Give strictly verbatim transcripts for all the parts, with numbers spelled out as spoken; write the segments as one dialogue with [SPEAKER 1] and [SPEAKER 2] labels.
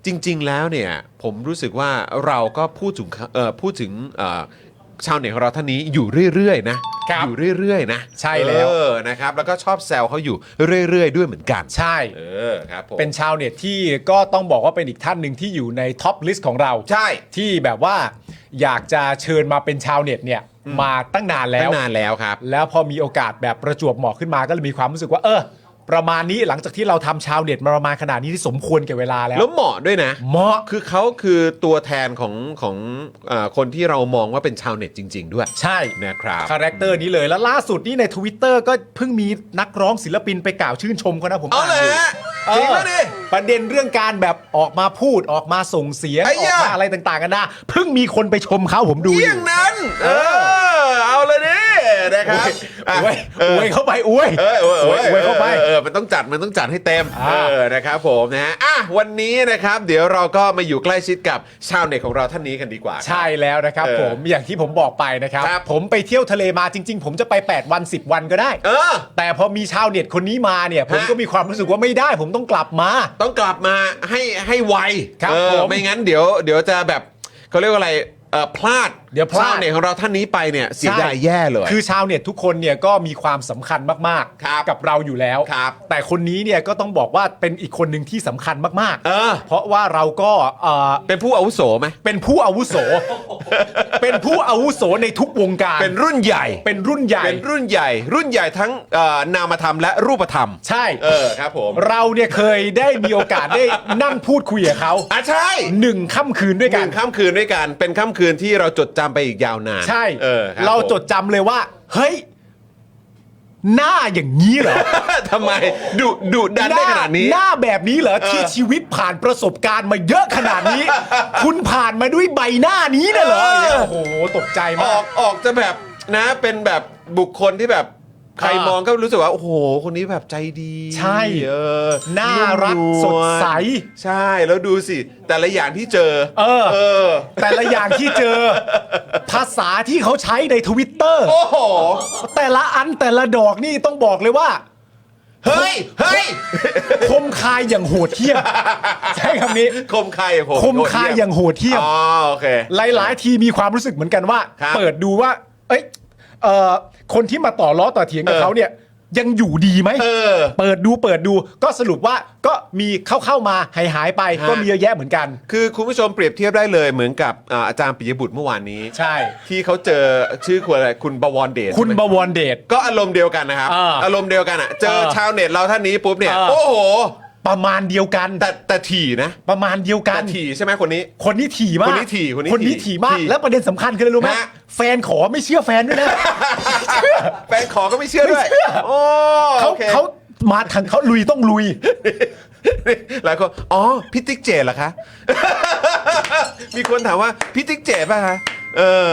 [SPEAKER 1] จริงๆแล้วเนี่ยผมรู้สึกว่าเราก็พูดถึงเอ่อพูดถึงเอ่อชาวเน็ตของเราท่านนี้อยู่เรื่อยๆนะอยู่เรื่อยๆนะ
[SPEAKER 2] ใช่แล้ว
[SPEAKER 1] เออนะครับแล้วก็ชอบแซวเขาอยู่เรื่อยๆด้วยเหมือนกัน
[SPEAKER 2] ใช่
[SPEAKER 1] เออครับผม
[SPEAKER 2] เป็นชาวเน็ตที่ก็ต้องบอกว่าเป็นอีกท่านหนึ่งที่อยู่ในท็อปลิสต์ของเรา
[SPEAKER 1] ใช่
[SPEAKER 2] ที่แบบว่าอยากจะเชิญมาเป็นชาวเน็ตเนี่ยมาตั้งนานแล้ว
[SPEAKER 1] ตั้งนานแล้วครับ
[SPEAKER 2] แล้วพอมีโอกาสแบบประจวบเหมาะขึ้นมาก็เลยมีความรู้สึกว่าเออประมาณนี้หลังจากที่เราทำชาวเน็ตมาประมาณขนาดนี้ที่สมควรแก่เวลาแล้ว
[SPEAKER 1] แล้วเหมาะด้วยนะ
[SPEAKER 2] เหมาะ
[SPEAKER 1] คือเขาคือตัวแทนของของเอ่อคนที่เรามองว่าเป็นชาวเน็ตจริง ๆ ด้วย
[SPEAKER 2] ใช่
[SPEAKER 1] นะครับ
[SPEAKER 2] คาแรคเตอร์นี้เลยแล้วล่าสุดนี่ใน Twitter ก็เพิ่งมีนักร้องศิลปินไปกล่าวชื่นชมเขานะผม
[SPEAKER 1] เอาเลยฮะจริงป่ะดิ
[SPEAKER 2] ประเด็นเรื่องการแบบออกมาพูดออกมาส่งเสียงออกมาอะไรต่างๆกันนะเพิ่งมีคนไปชมเขาผมดูอยู่
[SPEAKER 1] อย่างนั้นเออเอาเลยดินะครับ
[SPEAKER 2] อวยอวยเข้าไปอวย
[SPEAKER 1] เอออวย
[SPEAKER 2] อวยเข้าไป
[SPEAKER 1] เออมันต้องจัดมันต้องจัดให้เต็มเออนะครับผมนะฮะอ่ะวันนี้นะครับเดี๋ยวเราก็มาอยู่ใกล้ชิดกับชาวเน็ตของเราท่านนี้กันดีกว่า
[SPEAKER 2] ใช่แล้วนะครับผมอย่างที่ผมบอกไปนะครับผมไปเที่ยวทะเลมาจริงๆผมจะไปแปดวันสิบวันก็ได้
[SPEAKER 1] เออ
[SPEAKER 2] แต่พอมีชาวเน็ตคนนี้มาเนี่ยผมก็มีความรู้สึกว่าไม่ได้ผมต้องกลับมา
[SPEAKER 1] ต้องกลับมาให้ให้ไว
[SPEAKER 2] ครับผม
[SPEAKER 1] ไม่งั้นเดี๋ยวเดี๋ยวจะแบบเขาเรียกว่าอะไรเอ่อพลาด
[SPEAKER 2] เดี๋ยวพลาด
[SPEAKER 1] ชาวเน็ตของเราท่านนี้ไปเนี่ยเสียดายแย่เลย
[SPEAKER 2] คือชาวเน็ตทุกคนเนี่ยก็มีความสำคัญมากๆกับเราอยู่แล้วแต่คนนี้เนี่ยก็ต้องบอกว่าเป็นอีกคนหนึ่งที่สำคัญมากๆ
[SPEAKER 1] เออ
[SPEAKER 2] เพราะว่าเราก็เอ่อ
[SPEAKER 1] เป็นผู้อาวุโสไหม
[SPEAKER 2] เป็นผู้อาวุโส เป็นผู้อาวุโสในทุกวงการ
[SPEAKER 1] เป็นรุ่นใหญ่
[SPEAKER 2] เป็นรุ่นใหญ่
[SPEAKER 1] เป็นรุ่นใหญ่รุ่นใหญ่ทั้งเอ่อนามธรรมและรูปธรรม
[SPEAKER 2] ใช่
[SPEAKER 1] เออครับผม
[SPEAKER 2] เราเนี่ยเคยได้มีโอกาสได้นั่งพูดคุยกับเขา
[SPEAKER 1] อ่ะใช่
[SPEAKER 2] หนึ่งค่ำคืนด้วยกัน
[SPEAKER 1] หนึ่งค่ำคืนด้วยกันเป็นค่ำคืนที่เราจดจำไปอีกยาวนาน
[SPEAKER 2] ใช่
[SPEAKER 1] เออ
[SPEAKER 2] เราจดจำเลยว่าเฮ้ยหน้าอย่างนี้เหรอ
[SPEAKER 1] ทำไมดุดุดันได้ขนาดนี้
[SPEAKER 2] หน้าแบบนี้เหรอที่ชีวิตผ่านประสบการณ์มาเยอะขนาดนี้ คุณผ่านมาด้วยใบหน้านี้น่ะเหรอโอ้โหตกใจ
[SPEAKER 1] อ
[SPEAKER 2] มา
[SPEAKER 1] อก กออกจะแบบนะเป็นแบบบุคคลที่แบบใครมองก็รู้สึกว่าโอ้โหคนนี้แบบใจดี
[SPEAKER 2] ใช่
[SPEAKER 1] เออ
[SPEAKER 2] น่ารักสดใส
[SPEAKER 1] ใช่แล้วดูสิแต่ละอย่างที่เจอ
[SPEAKER 2] เออ
[SPEAKER 1] เออ
[SPEAKER 2] แต่ละอย่างที่เจอภาษาที่เขาใช้ใน Twitter
[SPEAKER 1] โอ้โห
[SPEAKER 2] แต่ละอันแต่ละดอกนี่ต้องบอกเลยว่า
[SPEAKER 1] เฮ้ยเฮ้ย
[SPEAKER 2] คมคายอย่างโหดเหี้ยมใช่คำนี้
[SPEAKER 1] คมคายอย่างโหด
[SPEAKER 2] คมคายอย่างโหดเหี้ยม
[SPEAKER 1] อ๋อโอเค
[SPEAKER 2] หลายๆทีมีความรู้สึกเหมือนกันว่าเปิดดูว่าเอ้ยเอ่อคนที่มาต่อล้อต่อเถียงกับเขาเนี่ยยังอยู่ดีไหมเออเปิดดูเปิดดูก็สรุปว่าก็มีเข้าเข้ามาหายหายไปก็มีเยอะแยะเหมือนกัน
[SPEAKER 1] คือคุณผู้ชมเปรียบเทียบได้เลยเหมือนกับอาจารย์ปิยบุตรเมื่อวานนี้
[SPEAKER 2] ใช่
[SPEAKER 1] ที่เขาเจอชื่อคุณอะไรคุณบวรเดช
[SPEAKER 2] คุณบวรเดช
[SPEAKER 1] ก็อารมณ์เดียวกันนะครับอารมณ์เดียวกันอ่ะเจอชาวเน็ตเราท่านนี้ปุ๊บเนี่ยโอ้โห
[SPEAKER 2] ประมาณเดียวกัน
[SPEAKER 1] แต่แต่ถี่นะ
[SPEAKER 2] ประมาณเดียวกัน
[SPEAKER 1] แต่ถี่ใช่ไหมคนนี้
[SPEAKER 2] คนนี้ถี่มาก
[SPEAKER 1] คนนี้ถี่คนนี้
[SPEAKER 2] คนนี้ถี่มากแล้วประเด็นสำคัญคืออะไรรู้ไหมแฟนขอไม่เชื่อแฟนด้วยนะ
[SPEAKER 1] แฟนขอก็ไม่เชื่อด้วยโอ้
[SPEAKER 2] เขาเขามาทางเขาลุยต้องลุย
[SPEAKER 1] หลายคนอ๋อพี่ติ๊กเจเหรอคะมีคนถามว่าพี่ติ๊กเจป่ะคะเออ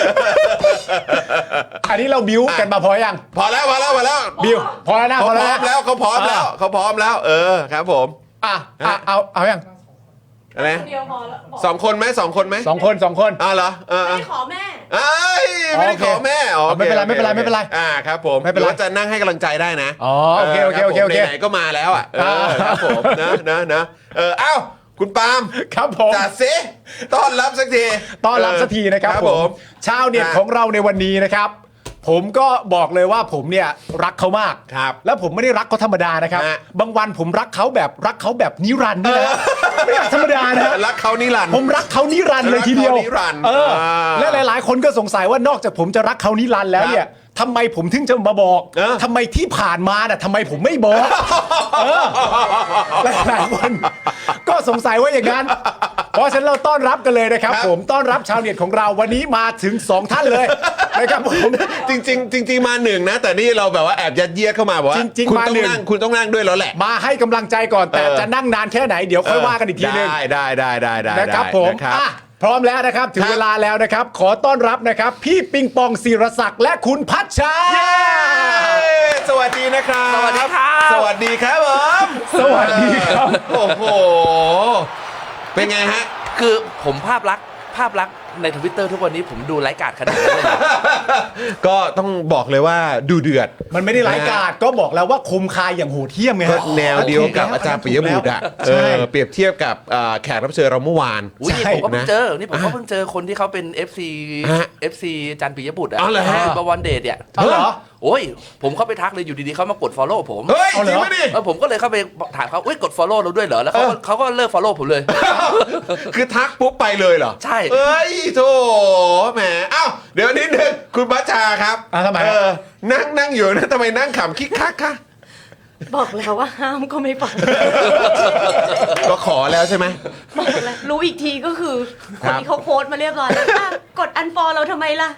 [SPEAKER 2] อันนี้เราบิ้วกันมาพอยัง
[SPEAKER 1] พอแล้วพอแล้วพอแล้ว
[SPEAKER 2] บิ้วพอแล้วนะ
[SPEAKER 1] พอแล้วเขาพร้อมแล้วเขาพร้อมแล้วเออครับผม
[SPEAKER 2] อ่ะเอาเอายัง
[SPEAKER 1] อะไรสองคนไหมสองคนไหม
[SPEAKER 2] สองคนสองคน
[SPEAKER 1] อ่าเหรอ
[SPEAKER 3] ไม่ขอแม่
[SPEAKER 1] เอ้ยไม่ได้ขอแม่อ๋อ
[SPEAKER 2] ไม่เป็นไรไม่เป็นไรไม่เป็นไร
[SPEAKER 1] อ่าครับผมไม่เป็นไรจะนั่งให้กำลังใจได้นะ
[SPEAKER 2] อ๋อโอเคโอเคโอเคโอเค
[SPEAKER 1] ไหนก็มาแล้วอ่ะเออครับผมนะนะนะเออเอ้าคุณปาล์ม
[SPEAKER 2] ครับผม
[SPEAKER 1] จัดซิต้อนรับสักที
[SPEAKER 2] ต้อนรับสักทีนะครับผมชาวเน็ตของเราในวันนี้นะครับผมก็บอกเลยว่าผมเนี่ยรักเขามาก
[SPEAKER 1] ครับ
[SPEAKER 2] แล้วผมไม่ได้รักเขาธรรมดานะครับบางวันผมรักเขาแบบรักเขาแบบนิรันดร์ด้วยนะไม่ธรรมดานะ
[SPEAKER 1] รักเขานิรันดร์
[SPEAKER 2] ผมรักเขานิรันดร์เลยทีเดียวเออและหลายๆคนก็สงสัยว่านอกจากผมจะรักเขานิรันดร์แล้วเนี่ยทำไมผมถึงจะมาบอกทำไมที่ผ่านมาน่ะทำไมผมไม่บอกหลายๆคนก็สงสัยว่าอย่างนั้นเพราะฉะนั้นเราต้อนรับกันเลยนะครับผมต้อนรับชาวเน็ตของเราวันนี้มาถึงสองท่านเลยนะครับผม
[SPEAKER 1] จริงๆจริงๆมาหนึ่งนะแต่นี่เราแบบว่าแอบยัดเยียดเข้ามาบอกว่าคุณต้องนั่งคุณต้องนั่งด้วยแล้วแหละ
[SPEAKER 2] มาให้กำลังใจก่อนแต่จะนั่งนานแค่ไหนเดี๋ยวค่อยว่ากันอีกทีนึง
[SPEAKER 1] ได้ได้ได้ได้ได้
[SPEAKER 2] นะครับผมพร้อมแล้วนะครับถึงเวลาแล้วนะครับขอต้อนรับนะครับพี่ปิงปองศิรศักดิ์และคุณพัชชา
[SPEAKER 1] สวัสดีนะครับ
[SPEAKER 3] สวัสดีครับ
[SPEAKER 1] สวัสดีครับผม
[SPEAKER 2] สวัสดีครับ
[SPEAKER 1] โอ้โหเป็นไงฮะ
[SPEAKER 3] คือผมภาพลักษณ์ภาพลักษณ์ในทวิตเตอร์ทุกวันนี้ผมดูไร้กาดขนาดนั้นเลยเหรอ
[SPEAKER 1] ก็ต้องบอกเลยว่าดูเดือด
[SPEAKER 2] มันไม่ได้ไร้กาดก็บอกแล้วว่าคมคายอย่างโหดเหี้ยมไง
[SPEAKER 1] ก็
[SPEAKER 2] ฮะ
[SPEAKER 1] แนวเดียวกับอาจารย์ปิยบุตรอ่ะเอ
[SPEAKER 2] ใช่
[SPEAKER 1] อเปรียบเทียบกับอ่าแขกรับเชิญเราเมื่อวาน
[SPEAKER 3] อุ้ยนี่
[SPEAKER 2] ใช่
[SPEAKER 3] ผมก็เพิ่ง
[SPEAKER 1] นะ
[SPEAKER 3] เจอ นี่ผมก็เพิ่งเจอคนที่เขาเป็น เอฟ ซี
[SPEAKER 1] ฮะ
[SPEAKER 3] เอฟ ซี จันทร์ปิยบุตรอ่ะ
[SPEAKER 1] อ๋อเหรอฮะ
[SPEAKER 3] บวรเดชเนี่ย
[SPEAKER 2] เอาเหรอ
[SPEAKER 3] โอ้ยผมเข้าไปทักเลยอยู่ดีๆเขามากด follow ผม
[SPEAKER 1] เฮ้ย
[SPEAKER 2] เอา
[SPEAKER 1] จ
[SPEAKER 2] เหร
[SPEAKER 1] ริ
[SPEAKER 2] อ
[SPEAKER 1] งปะดิ
[SPEAKER 3] เออผมก็เลยเข้าไปถามเขาอุ้ยกด follow เราด้วยเหรอแล้วเขาก็เขาก็เลิก follow ผมเลย
[SPEAKER 1] คือทักปุ๊บไปเลยเหรอ
[SPEAKER 3] ใช่
[SPEAKER 1] เอ้ยโธ่แหมเอ้าเดี๋ยวนิดนึงคุณบัชชาครับ
[SPEAKER 2] อ่ะทำไม
[SPEAKER 1] เออนั่งนั่งอยู่นะทำไมนั่งขำคิกคักคะ
[SPEAKER 4] บอกแล้วว่าห้ามก็ไม่ฟัง
[SPEAKER 1] ก็ขอแล้วใช่ไหม
[SPEAKER 4] บอกแล้วรู้อีกทีก็คือ
[SPEAKER 1] ค
[SPEAKER 4] ค
[SPEAKER 1] รั
[SPEAKER 4] น
[SPEAKER 1] บ
[SPEAKER 4] ที่เขาโพสต์มาเรียบร้อยแล้วอ่ะกดอันฟอลเราทำไมล่ะ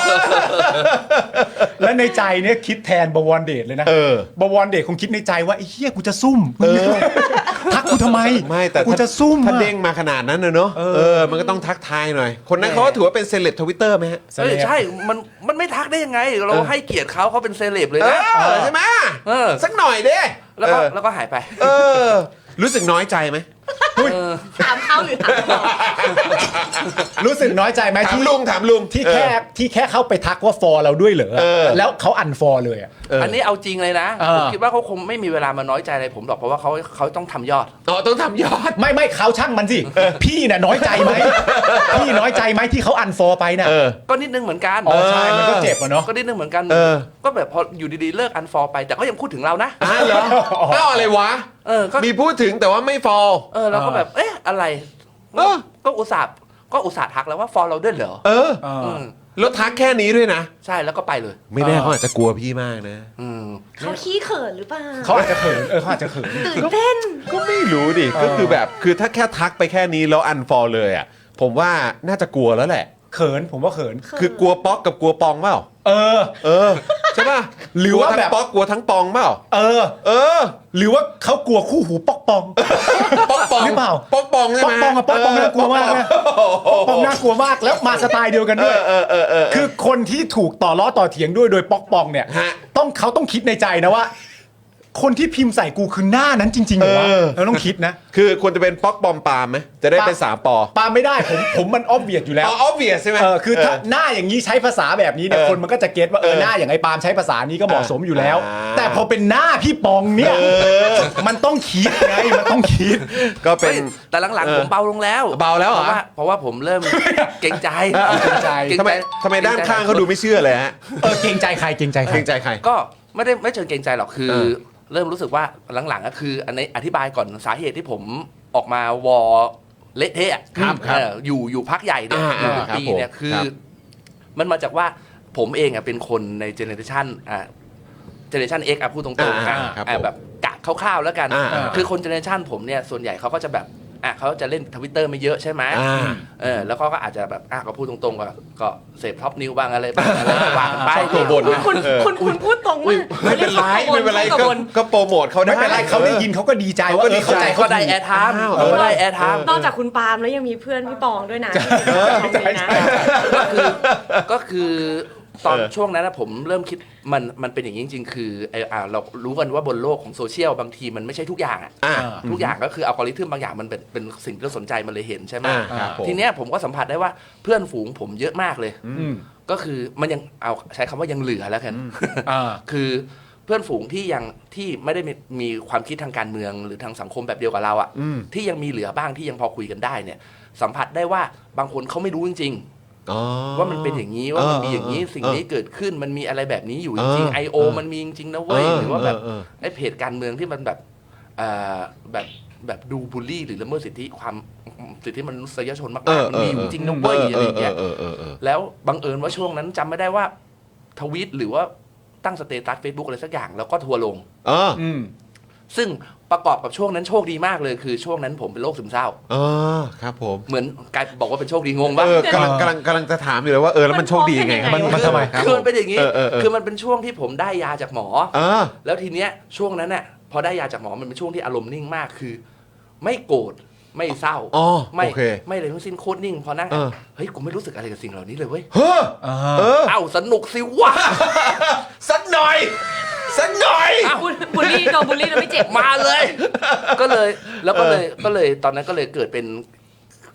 [SPEAKER 2] และในใจเนี่ยคิดแทนบวรเดชเลยนะ
[SPEAKER 1] เออ
[SPEAKER 2] บวรเดชคงคิดในใจว่าไอ้เหี้ยกูจะซุ่มทักกูทำไม
[SPEAKER 1] ไม่แต่
[SPEAKER 2] กู
[SPEAKER 1] ถ้า
[SPEAKER 2] จะซุ่ม
[SPEAKER 1] ถ้า
[SPEAKER 2] อะ
[SPEAKER 1] เด้งมาขนาดนั้นนะเนอะ
[SPEAKER 2] เออ
[SPEAKER 1] เออ มันก็ต้องทักทายหน่อย คนนั้นเขาก็ถือว่าเป็นเซเลบทวิตเตอร์ไหมฮะ
[SPEAKER 3] เออใช่ มันมันไม่ทักได้ยังไง เราให้เกียรติเขาเขาเป็นเซเลบเลย
[SPEAKER 1] เอ
[SPEAKER 3] นะ
[SPEAKER 1] อใช่ไหม
[SPEAKER 3] เออ
[SPEAKER 1] สักหน่อยเด้
[SPEAKER 3] แล้วก็
[SPEAKER 1] เออ
[SPEAKER 3] แล้วก็หายไป
[SPEAKER 1] เออ รู้สึกน้อยใจไหม
[SPEAKER 3] เออ
[SPEAKER 4] ถามเขาหรือถามเรา
[SPEAKER 2] รู้สึกน้อยใจไหม
[SPEAKER 1] ถาม
[SPEAKER 2] ที่
[SPEAKER 1] ลุงถามลุง
[SPEAKER 2] ที่แค่ที่แค่เข้าไปทักว่าฟอเราด้วยเหรอ
[SPEAKER 1] เออ
[SPEAKER 2] แล้วเขาอันฟอเลยอะ
[SPEAKER 1] เอออั
[SPEAKER 3] อันนี้เอาจริงเลยนะ
[SPEAKER 2] เออ
[SPEAKER 3] ผมคิดว่าเขาคงไม่มีเวลามาน้อยใจอะไรผมหรอกเพราะว่าเขาเขาต้องทำยอด
[SPEAKER 1] อ๋อต้องทำยอด
[SPEAKER 2] ไม่ไม่เขาช่างมันสิพี่น่ะน้อยใจไหมพี่น้อยใจไหมที่เขาอันฟอไปน่ะ
[SPEAKER 1] เออ
[SPEAKER 3] ก็นิดนึงเหมือนกัน
[SPEAKER 2] อ๋อใช่มันก็เจ็บอะเนาะ
[SPEAKER 3] ก็นิดนึงเหมือนกัน
[SPEAKER 1] เออ
[SPEAKER 3] ก็แบบพออยู่ดีๆเลิกอันฟอลไป แต่ก็ยังพูดถึงเรานะ
[SPEAKER 1] อ่ะเหรอเอ้าอะไรวะ
[SPEAKER 3] เออก็
[SPEAKER 1] มีพูดถึงแต่ว่าไม่ฟอล
[SPEAKER 3] เออเราก็แบบเอ๊ะอะไร
[SPEAKER 1] เออ
[SPEAKER 3] ก็อุตส่าห์ก็อุตส่าห์ทักแล้วว่าฟอลเราด้วยเหรอ
[SPEAKER 1] เออ
[SPEAKER 2] เออ
[SPEAKER 3] อืม
[SPEAKER 1] แล้วทักแค่นี้ด้วยนะ
[SPEAKER 3] ใช่แล้วก็ไปเลย
[SPEAKER 1] ไม่แน่เขาอาจจะกลัวพี่มากนะ
[SPEAKER 3] อืม
[SPEAKER 4] เขาขี้เขินหรือเปล่า
[SPEAKER 2] เขาอาจจะเขินเออเขาอาจจะเขิน
[SPEAKER 4] ตื่นเต้น
[SPEAKER 1] ก็ไม่รู้ดิ ก็คือแบบ คือถ้าแค่ทักไปแค่นี้แล้วอันฟอลเลยอ่ะ ผมว่าน่าจะกลัวแล้วแหละ
[SPEAKER 2] เขินผมว่าเขิน
[SPEAKER 1] คือกลัวป๊อกกับกลัวปองเปล่า
[SPEAKER 2] เออ
[SPEAKER 1] เออ ใช่ป่ะ
[SPEAKER 2] หรือว่าแบบ
[SPEAKER 1] กลัทั้งป๊อกกลัวทั้งปองเปล่า
[SPEAKER 2] เออ
[SPEAKER 1] เออ
[SPEAKER 2] หรือว่าเขากลัวคู่หูปอกปอง
[SPEAKER 1] ป๊อกปอง
[SPEAKER 2] หรือเปล่า
[SPEAKER 1] ป๊อกปองใช่
[SPEAKER 2] ปอ
[SPEAKER 1] ไห
[SPEAKER 2] ก
[SPEAKER 1] ม
[SPEAKER 2] ปองอะปอกปองน่ากลัวมากนะปอกปองน่ากลัวมากแล้วมาสไตล์เดียวกัน
[SPEAKER 1] เอ
[SPEAKER 2] ด้วย
[SPEAKER 1] อเออเออเออ
[SPEAKER 2] คือคนที่ถูกต่อล้อต่อเถียงด้วยโดยป๊อกปองเนี่ย
[SPEAKER 1] ฮะ
[SPEAKER 2] ต้องเขาต้องคิดในใจนะว่า คนที่พิมพ์ใส่กูคือหน้านั้นจริงๆเหรอวะ
[SPEAKER 1] เออ
[SPEAKER 2] เราต้องคิดนะ
[SPEAKER 1] คือควรจะเป็นป๊อกปอมปามไหมจะได้เป็นสามปอ
[SPEAKER 2] ปาไม่ได้ผมผมมันออบเวียดอยู่แล้ว
[SPEAKER 1] อ๋อ obvious ใช่ไหม
[SPEAKER 2] เออคือถ้าหน้าอย่างนี้ใช้ภาษาแบบนี้เนี่ย
[SPEAKER 1] เออ
[SPEAKER 2] คนมันก็จะเก็ตว่าเออ
[SPEAKER 1] เออ
[SPEAKER 2] หน้าอย่างไอ้ปาล์มใช้ภาษานี้ก็เหมาะสมอยู่แล้ว
[SPEAKER 1] อ่า
[SPEAKER 2] แต่พอเป็นหน้าพี่ปองเนี่ยมันต้องคิดไงมันต้องคิด
[SPEAKER 1] ก็เป็น
[SPEAKER 3] เฮ้ยแต่หลัง
[SPEAKER 1] เออ
[SPEAKER 3] ๆผมเบาลงแล้ว
[SPEAKER 1] เบาแล้วเหรอ
[SPEAKER 3] เพราะว่าเพราะว่าผมเริ่มเกรงใจ
[SPEAKER 2] เออเกรงใจ
[SPEAKER 3] เกรง
[SPEAKER 1] ทำไม
[SPEAKER 3] ใจ
[SPEAKER 1] ทำไมด้านข้างเขาดูไม่เชื่อเลยฮะ
[SPEAKER 2] เออเกรงใจใครเกรงใจใค
[SPEAKER 1] เก
[SPEAKER 2] ร
[SPEAKER 1] รงใจใคร
[SPEAKER 3] ก็ไม่ได้ไม่เชิงเกรงใจหรอกคือ
[SPEAKER 1] เออ
[SPEAKER 3] เริ่มรู้สึกว่าหลังๆก็คืออันนี้อธิบายก่อนสาเหตุที่ผมออกมาวอเละเทะอะ
[SPEAKER 1] ครับครับ
[SPEAKER 3] เอออยู่อยู่พักใหญ่เนี่ย
[SPEAKER 1] อ่า
[SPEAKER 3] อยู่เป็น
[SPEAKER 1] ครับ
[SPEAKER 3] ปีเนี่ย
[SPEAKER 1] ผม
[SPEAKER 3] คือ
[SPEAKER 1] ครับ
[SPEAKER 3] มันมาจากว่าผมเองอ่ะเป็นคนในเจเนอเรชันอ่าเจเนอเรชัน X อ่ะพูดตรงๆ
[SPEAKER 1] อ่า
[SPEAKER 3] อ่ะ
[SPEAKER 1] ครับ
[SPEAKER 3] อ่ะ
[SPEAKER 1] ผม
[SPEAKER 3] แบบกะคร่าวๆแล้วกัน
[SPEAKER 1] อ่าอ่า
[SPEAKER 3] คือคนเจเนอเรชันผมเนี่ยส่วนใหญ่เขาก็จะแบบอ่ะเขาจะเล่นทวิตเตอร์ไม่เยอะใช่ไหม
[SPEAKER 1] อ่า
[SPEAKER 3] เออแล้วก็ก็อาจจะแบบอ่ะก็พูดตรงๆก็ก็เสพท็อปนิวบ้างอะไรบ้างอะไรบ้างไป
[SPEAKER 1] ชอบตัวบน
[SPEAKER 4] คุณ
[SPEAKER 1] เออ
[SPEAKER 4] คุณคุณพูดตรงมาก
[SPEAKER 1] ไม่เป็นไรไม่เป็นไร
[SPEAKER 4] ชอบ
[SPEAKER 1] ก็
[SPEAKER 4] กับบน
[SPEAKER 1] ก็โปรโมทเขาได้
[SPEAKER 2] ไม่เป็นไรเขาได้ยินเขาก็ดีใจว่าเออเข้าใจ
[SPEAKER 3] ก็
[SPEAKER 2] เขา
[SPEAKER 3] ได้
[SPEAKER 2] ถูก
[SPEAKER 3] แอร์ไทม์
[SPEAKER 1] อ้าว
[SPEAKER 3] ก็ได้แอร์ไทม์
[SPEAKER 4] นอกจากคุณปาล์มแล้วยังมีเพื่อนพี่ปองด้วยนะ
[SPEAKER 2] ใช่ใช่
[SPEAKER 3] ก็คือก็คือตอน
[SPEAKER 1] เออ
[SPEAKER 3] ช่วงนั้นนะผมเริ่มคิดมันมันเป็นอย่างนี้จริง ๆ คือไออ่าเรารู้กันว่าบนโลกของโซเชียลบางทีมันไม่ใช่ทุกอย่างอ่ะ
[SPEAKER 1] อ่า
[SPEAKER 3] ทุกอย่างก็คืออัลกอริทึมบางอย่างมันเป็นเป็นสิ่งที่เราสนใจมันเลยเห็นใช่ไหม
[SPEAKER 1] อ่าครับผม
[SPEAKER 3] ทีเนี้ยผมก็สัมผัสได้ว่าเพื่อนฝูงผมเยอะมากเลย
[SPEAKER 2] อืม
[SPEAKER 3] ก็คือมันยังเอาใช้คำว่ายังเหลือแล้วกัน
[SPEAKER 2] อ่า
[SPEAKER 3] คือเพื่อนฝูงที่ยังที่ไม่ได้มีมีความคิดทางการเมืองหรือทางสังคมแบบเดียวกับเราอ่ะ
[SPEAKER 1] อืม
[SPEAKER 3] ที่ยังมีเหลือบ้างที่ยังพอคุยกันได้เนี่ย สัมผัสได้ว่าบางคนเขาไม่รู้จริง
[SPEAKER 1] อ๋อ
[SPEAKER 3] ๆ ว่ามันเป็นอย่างนี้ว่ามันมีอย่างนี้
[SPEAKER 1] เออ
[SPEAKER 3] สิ่งนี้เกิดขึ้นมันมีอะไรแบบนี้อยู่จ
[SPEAKER 1] เอ
[SPEAKER 3] ริง
[SPEAKER 1] อ
[SPEAKER 3] ๆไอโอ
[SPEAKER 1] เออ
[SPEAKER 3] มันมีจริงๆนะเว้ยหรือว่าแบบ
[SPEAKER 1] เออ
[SPEAKER 3] ไอเพจการเมืองที่มันแบบเอ่อแบบแบบดูบูลลี่หรือละเมิดสิทธิความสิทธิมนุษยชนมาก
[SPEAKER 1] เออ
[SPEAKER 3] ๆมันมีอยู่
[SPEAKER 1] เออ
[SPEAKER 3] จริงนะ
[SPEAKER 1] เอ
[SPEAKER 3] เว้ย
[SPEAKER 1] อ
[SPEAKER 3] อะไรอย่างเงี้ย
[SPEAKER 1] เออเออเออ
[SPEAKER 3] แล้วบังเอิญว่าช่วงนั้นจำไม่ได้ว่าทวีตหรือว่าตั้งสเตตัส Facebook อะไรสักอย่างแล้วก็ทัวร์ลง
[SPEAKER 1] เออ
[SPEAKER 2] อืม
[SPEAKER 3] ซึ่งประกอบกับช่วงนั้นโชคดีมากเลยคือช่วงนั้นผมเป็นโรคซึมเศร้า
[SPEAKER 1] เออครับผม
[SPEAKER 3] เหมือนกลายบอกว่าเป็นโชคดีงงปะ
[SPEAKER 1] เออกำลังกำลังกำลังจะถามอยู่เลยว่าเออแล้วมันโชคดียังไงครับ
[SPEAKER 4] มัน
[SPEAKER 2] มันทำไม
[SPEAKER 1] ครับ
[SPEAKER 3] คือ
[SPEAKER 1] ผ
[SPEAKER 3] มันเป็นอย่างนี้
[SPEAKER 1] เออเออเออ
[SPEAKER 3] คือมันเป็นช่วงที่ผมได้ยาจากหมอ
[SPEAKER 1] เออ
[SPEAKER 3] แล้วทีเนี้ยช่วงนั้นน่ะพอได้ยาจากหมอมันเป็นช่วงที่อารมณ์นิ่งมากคือ ไม่โกรธไม่เศร้า
[SPEAKER 1] อ๋อ
[SPEAKER 3] ไม่
[SPEAKER 1] โอเค
[SPEAKER 3] ไม่เลยทั้งสิ้นโคตรนิ่งพอนั่ง
[SPEAKER 1] เออ
[SPEAKER 3] เฮ้ยกูไม่รู้สึกอะไรกับสิ่งเหล่านี้เลยเว้ย
[SPEAKER 1] เฮ้อ
[SPEAKER 2] อ่า
[SPEAKER 1] เออ
[SPEAKER 3] เอ้าสนุกสิวะ
[SPEAKER 1] สักหน่อยสักหน่อย
[SPEAKER 4] บุลบูลลี่โดนบูลลี่แล้วไม่เจ็บ
[SPEAKER 3] มาเลย ก็เลยแล้วก็เลยก็เลยตอนนั้นก็เลยเกิดเป็น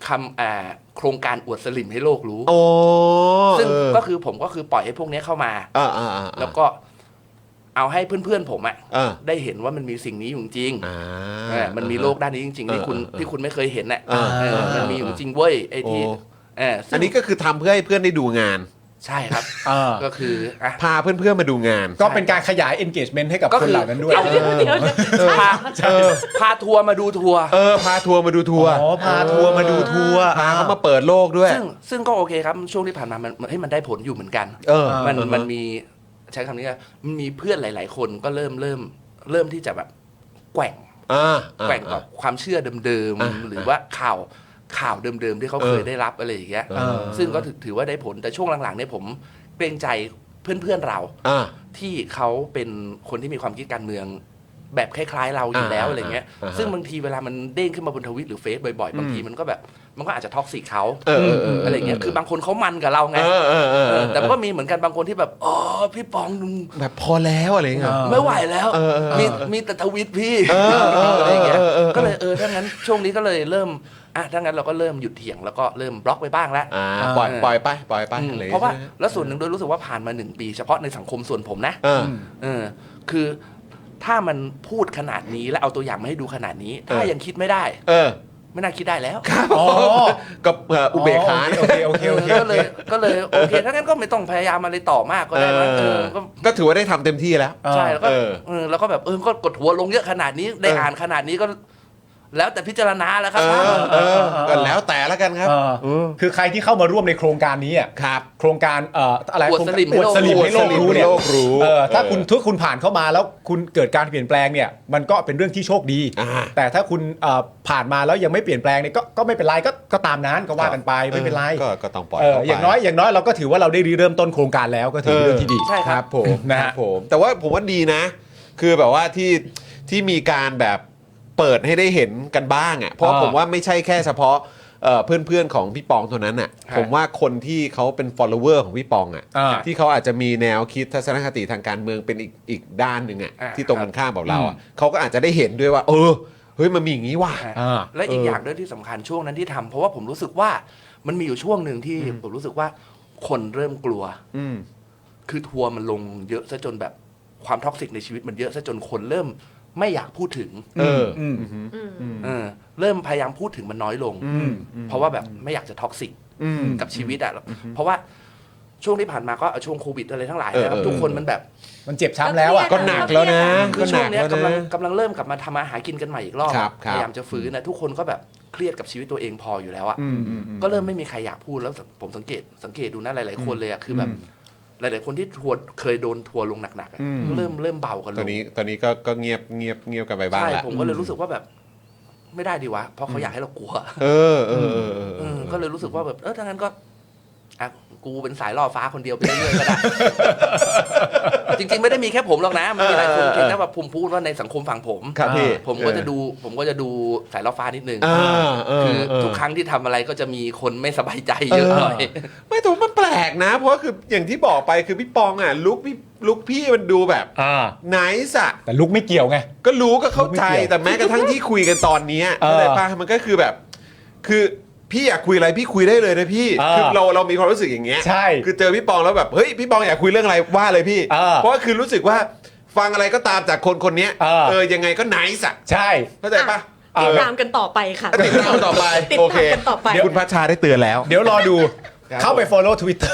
[SPEAKER 3] คำอ่าโครงการอวดสลิมให้โลกรู้
[SPEAKER 1] โอ้
[SPEAKER 3] ซึ่ง
[SPEAKER 1] เออ
[SPEAKER 3] ก็คือผมก็คือปล่อยให้พวกนี้เข้ามา
[SPEAKER 1] อ่าอ่าอ่า
[SPEAKER 3] แล้วก็เอาให้เพื่อนๆผมอะ
[SPEAKER 1] อ่า
[SPEAKER 3] ได้เห็นว่ามันมีสิ่งนี้อยู่จริง
[SPEAKER 1] อ่า
[SPEAKER 3] เออมันมีโลกด้านนี้จริงๆที่คุณ
[SPEAKER 1] เออเออ
[SPEAKER 3] ที่คุณไม่เคยเห็นน่ะ
[SPEAKER 1] เออ
[SPEAKER 3] เออมันมีอยู่จริงเว้ยไอ้ที่
[SPEAKER 1] โอ้
[SPEAKER 3] เออซึ่ง
[SPEAKER 1] อันนี้ก็คือทำเพื่อให้เพื่อนได้ดูงาน
[SPEAKER 3] ใช่ครับ
[SPEAKER 2] เออ
[SPEAKER 3] ก็คืออ่ะ
[SPEAKER 1] พาเพื่อนๆมาดูงาน
[SPEAKER 2] ก็เป็นการขยาย engagement ให้กับ
[SPEAKER 3] ก็
[SPEAKER 2] คน
[SPEAKER 3] คือ
[SPEAKER 2] เหล่านั้นด้วย
[SPEAKER 4] เดี๋ยวเดี๋ยวเดี๋ยวเดี๋ยวใช่
[SPEAKER 3] พา
[SPEAKER 4] ใช่
[SPEAKER 3] พาทัวร์มาดูทัวร์
[SPEAKER 1] เออพาทัวร์มาดูทัวร์
[SPEAKER 2] อ๋อพาทัวร์มาดูทัวร์
[SPEAKER 1] พาเขามาเปิดโลกด้วย
[SPEAKER 3] ซึ่งซึ่งก็โอเคครับช่วงที่ผ่านมามันให้ยมันได้ผลอยู่เหมือนกัน
[SPEAKER 1] เออ
[SPEAKER 3] มัน
[SPEAKER 1] เออ
[SPEAKER 3] มันมีใช้คำนี้ว่ามันมีเพื่อนหลาย ๆ คนก็เริ่มเริ่มเริ่มที่จะแบบแกว่ง
[SPEAKER 1] อ่าอ่า
[SPEAKER 3] แกว่งกับความเชื่อเดิม
[SPEAKER 1] อ่า
[SPEAKER 3] ๆหรือว่าข่าวข่าวเดิมๆที่เขา
[SPEAKER 1] เออ
[SPEAKER 3] เคยได้รับอะไรอย่างเงี้ย
[SPEAKER 1] เออ
[SPEAKER 3] ซึ่งก็ถือถือว่าได้ผลแต่ช่วงหลังๆเนี่ยผมเกรงใจเพื่อนๆเรา
[SPEAKER 1] อ่า
[SPEAKER 3] ที่เขาเป็นคนที่มีความคิดการเมืองแบบคล้ายๆเราอยู่แล้ว
[SPEAKER 1] อ่า
[SPEAKER 3] อะไรเงี้ย
[SPEAKER 1] อ่าฮะ
[SPEAKER 3] ซึ่งบางทีเวลามันเด้งขึ้นมาบนทวิตหรือเฟซบ่อยๆ บางทีมันก็แบบมันก็อาจจะท็อกซิกเขา
[SPEAKER 1] เออเออเออ
[SPEAKER 3] อะไรเงี้ยคือบางคนเขามันกับเราไง
[SPEAKER 1] เออเออเออ
[SPEAKER 3] เอ
[SPEAKER 1] เอ
[SPEAKER 3] อ
[SPEAKER 1] อ
[SPEAKER 3] แต่ก็มีเหมือนกันบางคนที่แบบอ๋อพี่ปอง
[SPEAKER 1] แบบพอแล้วอะไรเงี้ย
[SPEAKER 2] เออ
[SPEAKER 3] ไม่ไหวแล้ว
[SPEAKER 1] เออเออเออ
[SPEAKER 3] มีมีแต่ทวิตพี่
[SPEAKER 1] เออเออ
[SPEAKER 3] อะไรเงี้ย
[SPEAKER 1] เออเออเออ
[SPEAKER 3] ก็เลยเออถ้างั้นช่วงนี้ก็เลยเริ่มอ่ะถ้างั้นเราก็เริ่มหยุดเถียงแล้วก็เริ่มบล็อกไปบ้างแล้ว
[SPEAKER 1] อ่าปล่อยปล่อยไปปล่อยไป
[SPEAKER 3] อืม
[SPEAKER 1] อะไร
[SPEAKER 3] เพราะว่า
[SPEAKER 1] ใช่ไหม
[SPEAKER 3] แล้วส่วนหนึ่งโดยรู้สึกว่าผ่านมาหนึ่งปี เฉพาะในสังคมส่วนผมนะ
[SPEAKER 1] เออ
[SPEAKER 3] เออคือถ้ามันพูดขนาดนี้แล้วเอาตัวอย่างมาให้ดูขนาดนี้ ถ้า
[SPEAKER 1] เออ
[SPEAKER 3] ยังคิดไม่ได้
[SPEAKER 1] เออ
[SPEAKER 3] ไม่น่าคิดได้แล้ว
[SPEAKER 2] อ๋อ
[SPEAKER 1] กับเอ่ออุเบกขา
[SPEAKER 2] โอเคโอเคโอเค
[SPEAKER 3] ก็เลยก็เลยโอเคถ้างั้นก็ไม่ต้องพยายามอะไรต่อมากก็
[SPEAKER 1] เอ
[SPEAKER 3] ได้มั้งเอ
[SPEAKER 1] อ
[SPEAKER 3] อก็
[SPEAKER 1] ก็ถือว่าได้ทำเต็มที่แล้ว
[SPEAKER 3] ใช่แล้วก็
[SPEAKER 1] เออ
[SPEAKER 3] เออแล้วก็แบบเออก็กดหัวลงเยอะขนาดนี้ได้
[SPEAKER 1] เอออ่
[SPEAKER 3] อ่านขนาดนี้ก็ แล้วแต่พิจารณาแล้วครั
[SPEAKER 1] เอบ อเออก็แล้วแต่ละกันครับ
[SPEAKER 2] เออ
[SPEAKER 1] เออ
[SPEAKER 2] คือใครที่เข้ามาร่วมในโครงการนี้อ่ะ
[SPEAKER 1] ครับ
[SPEAKER 2] โครงการเอ่ออะไร
[SPEAKER 3] อวดสลิมให้
[SPEAKER 2] อวด
[SPEAKER 3] โลก
[SPEAKER 2] สลิมให้โลกรู้เนี่ย
[SPEAKER 1] อวดสลิมให้โลกรู้
[SPEAKER 2] เออถ้า
[SPEAKER 1] เออ
[SPEAKER 2] คุณถ้าคุณผ่านเข้ามาแล้วคุณเกิดการเปลี่ยนแปลงเนี่ยมันก็เป็นเรื่องที่โชคดี
[SPEAKER 1] อ่า
[SPEAKER 2] แต่ถ้าคุณเอ่อผ่านมาแล้วยังไม่เปลี่ยนแปลงเนี่ยก็ก็ไม่เป็นไรก็ก็ตามนั้นก็ว่ากันไปไม่เป็นไร
[SPEAKER 1] ก็ก็ต้องปล่อย
[SPEAKER 2] เออ
[SPEAKER 1] เข้ไป
[SPEAKER 2] อย่างน้อยอย่างน้อยเราก็ถือว่าเราได้เริ่มต้นโครงการแล้วก็ถือเป็นเรื่องที่ดี
[SPEAKER 3] ใช่ครับ
[SPEAKER 1] ผม
[SPEAKER 2] นะฮะ
[SPEAKER 1] ครับผม แต่ว่าผมว่าดีนะ คือแบบว่าที่ที่มีการแบบเปิดให้ได้เห็นกันบ้างอ่ะเพราะ
[SPEAKER 2] อ่า
[SPEAKER 1] ผมว่าไม่ใช่แค่เฉพาะเอ่อเพื่อนๆของพี่ปองเท่านั้นอ่ะ
[SPEAKER 3] ครับ
[SPEAKER 1] ผมว่าคนที่เขาเป็น follower ของพี่ปองอ่ะ
[SPEAKER 2] อ่า
[SPEAKER 1] ที่เขาอาจจะมีแนวคิดทัศนคติทางการเมืองเป็นอีกอีกด้านหนึ่งอ่ะ
[SPEAKER 3] อ่า
[SPEAKER 1] ที่ตรงกันข้ามกับเราอ่ะเขาก็อาจจะได้เห็นด้วยว่า เออเฮ้ยมันมีอย่างนี้ว่ะ
[SPEAKER 2] อ่า
[SPEAKER 3] และอีก
[SPEAKER 1] เออ
[SPEAKER 3] อ
[SPEAKER 1] อ
[SPEAKER 3] ย่างด้วยที่สำคัญช่วงนั้นที่ทำเพราะว่าผมรู้สึกว่ามันมีอยู่ช่วงหนึ่งที่ผมรู้สึกว่าคนเริ่มกลัว
[SPEAKER 1] อืม
[SPEAKER 3] คือทัวร์มันลงเยอะซะจนแบบความท็อกซิกในชีวิตมันเยอะซะจนคนเริ่มไม่อยากพูดถึง
[SPEAKER 1] เออ
[SPEAKER 2] อืม
[SPEAKER 4] อืม
[SPEAKER 3] เออเริ่มพยายามพูดถึงมันน้อยลง
[SPEAKER 1] อืม
[SPEAKER 3] เพราะว่าแบบไม่อยากจะท็อกซิก
[SPEAKER 1] อืม
[SPEAKER 3] กับชีวิตอ่ะเพราะว่าช่วงที่ผ่านมาก็ช่วงโควิดอะไรทั้งหลายนะครับ
[SPEAKER 1] เออเออ
[SPEAKER 3] ทุกคนมันแบบ
[SPEAKER 2] มันเจ็บช้ำแล้วอ่ะ
[SPEAKER 1] ก็หนักแล้วนะ
[SPEAKER 3] คื
[SPEAKER 1] ก็
[SPEAKER 3] อ
[SPEAKER 1] ห
[SPEAKER 3] ช่
[SPEAKER 1] นั
[SPEAKER 3] วง
[SPEAKER 1] ก
[SPEAKER 3] เนี้ย
[SPEAKER 1] แล้ว
[SPEAKER 3] กำลัง
[SPEAKER 1] นะ
[SPEAKER 3] กำลังเริ่มกลับมาทำมาหากินกันใหม่อีกรอบ
[SPEAKER 1] ครับครับ
[SPEAKER 3] พยายามจะฟื้นนะทุกคนก็แบบเครียดกับชีวิตตัวเองพออยู่แล้วอ่ะ
[SPEAKER 1] อืมอืมอืม
[SPEAKER 3] ก็เริ่มไม่มีใครอยากพูดแล้วผมสังเกตสังเกตดูนะหลาย ๆ คนเลยอ่ะคือแบบหลาย ๆ คนที่ทัวร์เคยโดนทัวร์ลงหนักๆอะ
[SPEAKER 1] อืม
[SPEAKER 3] เริ่มเริ่มเบากันล
[SPEAKER 1] ตอน
[SPEAKER 3] ง
[SPEAKER 1] นี้ตอนนี้ก็ก็เงียบเงียบเงียบกันไปบ้าง
[SPEAKER 3] ใช่
[SPEAKER 1] แล้ว
[SPEAKER 3] ผมก็เลยรู้สึกว่าแบบไม่ได้ดีวะเพราะเขาอยากให้เรากลัว
[SPEAKER 1] เออเออเออเออ
[SPEAKER 3] เอ
[SPEAKER 1] เอ
[SPEAKER 3] อ
[SPEAKER 1] อ
[SPEAKER 3] ก็เลยรู้สึกว่าแบบเออถ้างั้นก็อ่ะกูเป็นสายล่อฟ้าคนเดียวไปเรื่อยๆก็ได้ จริง ๆ ไม่ได้มีแค่ผมหรอกนะมันมีหลายคนเพียงแต่ว่าผมพูดว่าในสังคมฝั่งผม
[SPEAKER 1] ครับพี่
[SPEAKER 3] ผมก็จะดูผมก็จะดูสายล่อฟ้านิดนึง
[SPEAKER 1] อ่าเออ
[SPEAKER 3] คือ
[SPEAKER 1] เออ
[SPEAKER 3] ทุกครั้งที่ทำอะไรก็จะมีคนไม่สบายใจเยอะหน่อย
[SPEAKER 1] ไม่แต่ว่ามันแปลกนะ เพราะว่าคืออย่างที่บอกไปคือพี่ปองอ่ะลุกพี่ลุกพี่มันดูแบบ
[SPEAKER 2] อ่า
[SPEAKER 1] ไนส์อะ
[SPEAKER 2] แต่ลุกไม่เกี่ยวไง
[SPEAKER 1] ก็รู้ก็เข้าใจ
[SPEAKER 2] ไม่เกี่ยว
[SPEAKER 1] แต่แม้กระทั่งที่คุยกันตอนเนี้ย
[SPEAKER 2] เออ
[SPEAKER 1] อะไรป่ะมันก็คือแบบ คือพี่อยากคุยอะไรพี่คุยได้เลยนะพี่
[SPEAKER 2] เออ
[SPEAKER 1] คือเราเรามีความรู้สึกอย่างเงี้ย
[SPEAKER 2] ใช่
[SPEAKER 1] คือเจอพี่ปองแล้วแบบเฮ้ยพี่ปองอยากคุยเรื่องอะไรว่าเลยพี่
[SPEAKER 2] เออ
[SPEAKER 1] เพราะว่าคือรู้สึกว่าฟังอะไรก็ตามจากคนคนเนี้ย
[SPEAKER 2] เออ
[SPEAKER 1] เออยังไงก็ไนส์อะ
[SPEAKER 2] ใช่
[SPEAKER 1] เข้าใจป่ะ
[SPEAKER 4] ติด
[SPEAKER 1] เออ
[SPEAKER 4] ตามกันต่อไปค่ะ
[SPEAKER 1] ติดตามต่อไป
[SPEAKER 4] ติด
[SPEAKER 1] โอ
[SPEAKER 4] ตา
[SPEAKER 1] เค
[SPEAKER 4] มกันต่อไป
[SPEAKER 1] คุณพัชชาได้เตือนแล้ว
[SPEAKER 2] เดี๋ยวรอดู
[SPEAKER 1] ครับ
[SPEAKER 2] เข้าไป follow Twitter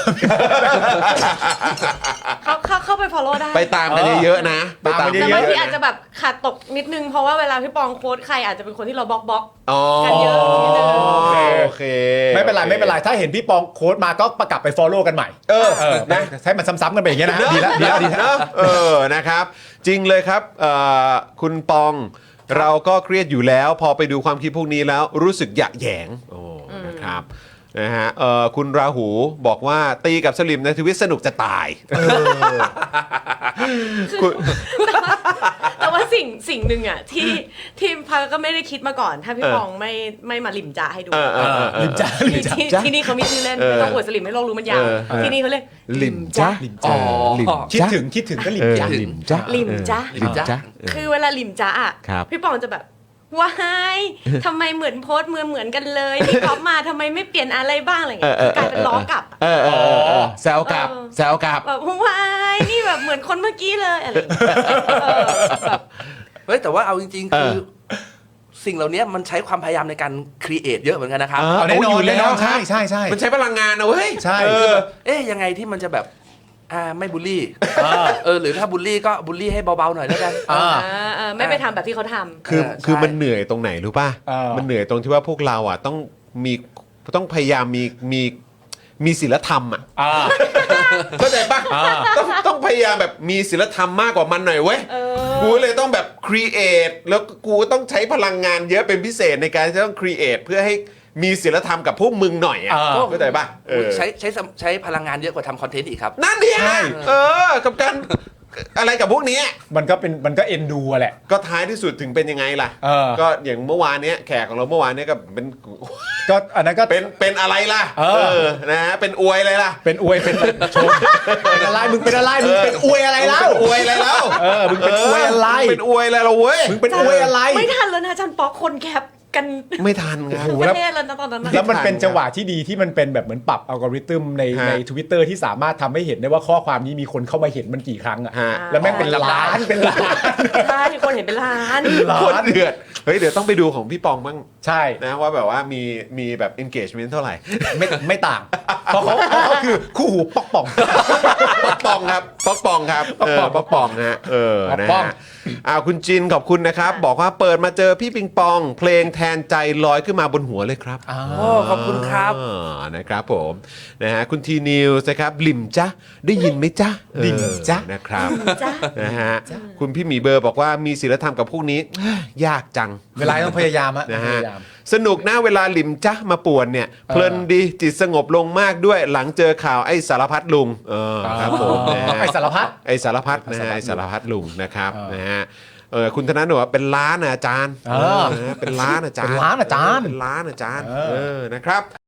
[SPEAKER 4] เข้าเข้าเข้าไป follow ได้
[SPEAKER 1] ไปตามกันเยอะๆนะไปตาม
[SPEAKER 2] ตามกัน
[SPEAKER 4] แต่
[SPEAKER 2] เย
[SPEAKER 4] บาง
[SPEAKER 2] อะ
[SPEAKER 4] ทีอาจจะแบบขาดตกนิดนึงเพราะว่าเวลาพี่ปองโค้ดใครอาจจะเป็นคนที่เราบล็อกบล็อก
[SPEAKER 1] อ๋อ
[SPEAKER 4] กันเยอะนิดนึง
[SPEAKER 1] โอเคโอเค
[SPEAKER 2] ไม่เป็นไรไม่เป็นไรถ้าเห็นพี่ปองโค้ดมาก็ประกลับไป follow กันใหม่
[SPEAKER 1] เออ
[SPEAKER 2] เออนะให้มันซ้ำๆกันไปอย่างเงี้ยนะดีแล้วดีแล้วดีแล้ว
[SPEAKER 1] เนอะเออนะครับ จริงเลยครับเอ่อคุณปองเราก็เครียดอยู่แล้ว พอไปดูความคิดพวกนี้แล้วรู้สึกหยะแหยงโอ้นะครับนะฮะเอ่อคุณราหูบอกว่าตีกับสลิมในทวิตสนุกจะตายคุณ
[SPEAKER 4] แต่ว่าสิ่งสิ่งหนึ่งอ่ะที่ที่พักก็ไม่ได้คิดมาก่อน ถ้าพี่
[SPEAKER 1] เออ
[SPEAKER 4] ปองไม่ไม่มาลิมจ่าให้ดู
[SPEAKER 1] เออเออเออเออ
[SPEAKER 2] ลิมจ้าลิม
[SPEAKER 4] ที่
[SPEAKER 2] จ้า
[SPEAKER 4] ที่ที่นี่เขามีชื่อเล่น
[SPEAKER 1] เออ
[SPEAKER 4] ไม่ต้องอวดสลิมให้โลกรู้มันยาว
[SPEAKER 1] เออเออ
[SPEAKER 4] ที่นี่เขาเรียก
[SPEAKER 1] ลิมจ้า
[SPEAKER 2] ลิมจ้า
[SPEAKER 3] อ๋อ
[SPEAKER 1] ลิม
[SPEAKER 2] คิด
[SPEAKER 1] จ้า
[SPEAKER 2] ถึงคิดถึงก็ลิ
[SPEAKER 1] เอ
[SPEAKER 2] ม
[SPEAKER 1] อ
[SPEAKER 2] จ้า
[SPEAKER 1] ลิมจ้า
[SPEAKER 4] ลิมจ้า
[SPEAKER 3] ลิมจ้า
[SPEAKER 1] เออ
[SPEAKER 4] คือเวลาลิมจ้าอ่ะ
[SPEAKER 1] ครับ
[SPEAKER 4] พี่ปองจะแบบว้ายทำไมเหมือนโพสต์เหมือนเหมือนกันเลยที่ก๊อปมาทำไมไม่เปลี่ยนอะไรบ้างอะไรอย่างเงี้ยกลายเป็นล้อกลับ
[SPEAKER 1] เออเออเออเออแซวกลับ
[SPEAKER 4] เออ
[SPEAKER 1] แซวกลับ
[SPEAKER 4] แบบว้ายนี่แบบเหมือนคนเมื่อกี้เลยอะไรอย่างเงี้ยเออแบบ
[SPEAKER 3] เฮ้ยแต่ว่าเอาจริง ๆ คือ
[SPEAKER 1] เออ
[SPEAKER 3] สิ่งเหล่านี้มันใช้ความพยายามในการครีเอทเยอะเหมือนกันนะครับ
[SPEAKER 1] เออ
[SPEAKER 2] เอาแน่นอน
[SPEAKER 1] เอาอยู่แล้ว
[SPEAKER 2] แน่นอน
[SPEAKER 1] ครับ
[SPEAKER 2] ใช่ใช่ใช่
[SPEAKER 1] มันใช้พลังงานนะเว้ย
[SPEAKER 2] ใช่
[SPEAKER 1] เออ
[SPEAKER 3] เอ๊ะยังไงที่มันจะแบบอ่าไม่บูลลี่เออหรือถ้าบูลลี่ก็บูลลี่ให้เบาๆหน่อยแล้วกัน
[SPEAKER 2] อ่า
[SPEAKER 4] อ่าเออไม่ไปทำแบบที่เขาทำ
[SPEAKER 1] คือ
[SPEAKER 3] เออใช่
[SPEAKER 1] คือมันเหนื่อยตรงไหนรู้ป่ะ
[SPEAKER 2] เออ
[SPEAKER 1] มันเหนื่อยตรงที่ว่าพวกเราอ่ะต้องมีต้องพยายามมีมีมีศีลธรรมอ่ะ
[SPEAKER 2] อ่า
[SPEAKER 1] เข้าใจป่ะ
[SPEAKER 2] อ่า
[SPEAKER 1] ต้องต้องพยายามแบบมีศีลธรรมมากกว่ามันหน่อยเว้ย
[SPEAKER 4] เออ
[SPEAKER 1] กูเลยต้องแบบครีเอทแล้วกูต้องใช้พลังงานเยอะเป็นพิเศษในการที่ต้องครีเอทเพื่อให้มีศีลธรรมกับพวกมึงหน่อยอ่ะ
[SPEAKER 2] อ่า
[SPEAKER 1] เข้าใจป่ะเออ
[SPEAKER 3] ใช้ใช้สมใช้พลังงานเยอะกว่าทำคอนเทนต์อีกครับ
[SPEAKER 1] นั่นเนี่ย
[SPEAKER 2] ใช่
[SPEAKER 1] เออกับการอะไรกับพวกเนี้ย
[SPEAKER 2] มันก็เป็นมันก็เอ็นดูอะแหละ
[SPEAKER 1] ก็ท้ายที่สุดถึงเป็นยังไงล่ะ
[SPEAKER 2] เออ
[SPEAKER 1] ก็อย่างเมื่อวานเนี้ยแขกของเราเมื่อวานเนี้ยก็เป็น
[SPEAKER 2] ก็อันนั้นก็
[SPEAKER 1] เป็นเป็นอะไรล่ะ
[SPEAKER 2] เออ
[SPEAKER 1] นะฮะเป็นอวยอะไรล่ะ
[SPEAKER 2] เป็นอวยเป็นชมเป็นอะไรมึงเป็นอะไรมึงเป็นอวยอะไรเล่า
[SPEAKER 1] เป็นอวยอะไรแล้ว
[SPEAKER 2] เออมึงเป็นอวยอะไร
[SPEAKER 1] มึงเป็นอวยอะไรเราเว้ย
[SPEAKER 2] มึงเป็นอวยอะไร
[SPEAKER 4] ไม่ทันแล้วนะอาจารย์ป๊อกคนแคปกัน
[SPEAKER 1] ไม่ทันครับ
[SPEAKER 2] โอ้โห
[SPEAKER 4] ประเทศแล้วนะตอนนั้นนะ
[SPEAKER 2] แล้วมันเป็นจังหวะที่ดีที่มันเป็นแบบเหมือนปรับอัลกอริทึมใน
[SPEAKER 1] ฮะ
[SPEAKER 2] ใน Twitter ที่สามารถทำให้เห็นได้ว่าข้อความนี้มีคนเข้ามาเห็นมันกี่ครั้งอะ
[SPEAKER 1] ฮะ
[SPEAKER 2] แล้วแม่งเป็นล้านเป็นล้าน
[SPEAKER 4] ใช่คนเห็นเป็นล้าน
[SPEAKER 2] ล้า
[SPEAKER 1] โคตรเดือดเฮ้ยเดี๋ยวต้องไปดูของพี่ปองบ้าง
[SPEAKER 2] ใช่
[SPEAKER 1] นะว่าแบบว่ามีมีแบบ engagement เท่าไหร่
[SPEAKER 2] ไม่ไม่ต่าง เพราะเขาเพราะเขาคือคู่หูปอกป่อง
[SPEAKER 1] ป๊อกปองครับป๊อกปองครับเออป๊อกปองฮะเออ
[SPEAKER 2] ป๊อก
[SPEAKER 1] นะ
[SPEAKER 2] ปอง
[SPEAKER 1] ฮะอ้าวคุณจินขอบคุณนะครับ บอกว่าเปิดมาเจอพี่ปิงปอง เพลงแทนใจลอยขึ้นมาบนหัวเลยครับ
[SPEAKER 2] อ่า
[SPEAKER 3] โอ้ขอบคุณครับ
[SPEAKER 1] อ่านะครับผมนะฮะคุณทีนิวส์นะครับลิมจ้ะได้ยินไหมจ๊ะ
[SPEAKER 2] ลิมจ๊ะ
[SPEAKER 1] เออนะครับ
[SPEAKER 4] จ้ะ
[SPEAKER 1] นะฮะคุณพี่หมีเบอร์บอกว่ามีศีลธรรมกับพวกนี้ ยากจัง
[SPEAKER 2] เวลาต้องพยายามอะ
[SPEAKER 1] นะ
[SPEAKER 2] พ
[SPEAKER 1] ฮะ
[SPEAKER 2] ยายาม
[SPEAKER 1] สนุกนะเวลาหลิมจ้ะมาป่วนเนี่ยเพลินดีจิตสงบลงมากด้วยหลังเจอข่าวไอ้สารพัดลุงเออครับผมนะฮะ
[SPEAKER 2] ไอ้สารพัด
[SPEAKER 1] ไอ้สารพัดนะ
[SPEAKER 2] ไอ้
[SPEAKER 1] ฮะ
[SPEAKER 2] สารพัด
[SPEAKER 1] ไอ้สารพัดลุงนะครับ
[SPEAKER 2] เออ
[SPEAKER 1] นะฮะเออคุณธนาหนูว่าเป็นล้านนะอาจารย์
[SPEAKER 2] เออ
[SPEAKER 1] นะฮะเป็นล้านอาจารย์
[SPEAKER 2] เป็นล้านอาจารย์
[SPEAKER 1] เป็นล้านอาจารย์
[SPEAKER 2] เออ
[SPEAKER 1] เออนะครับ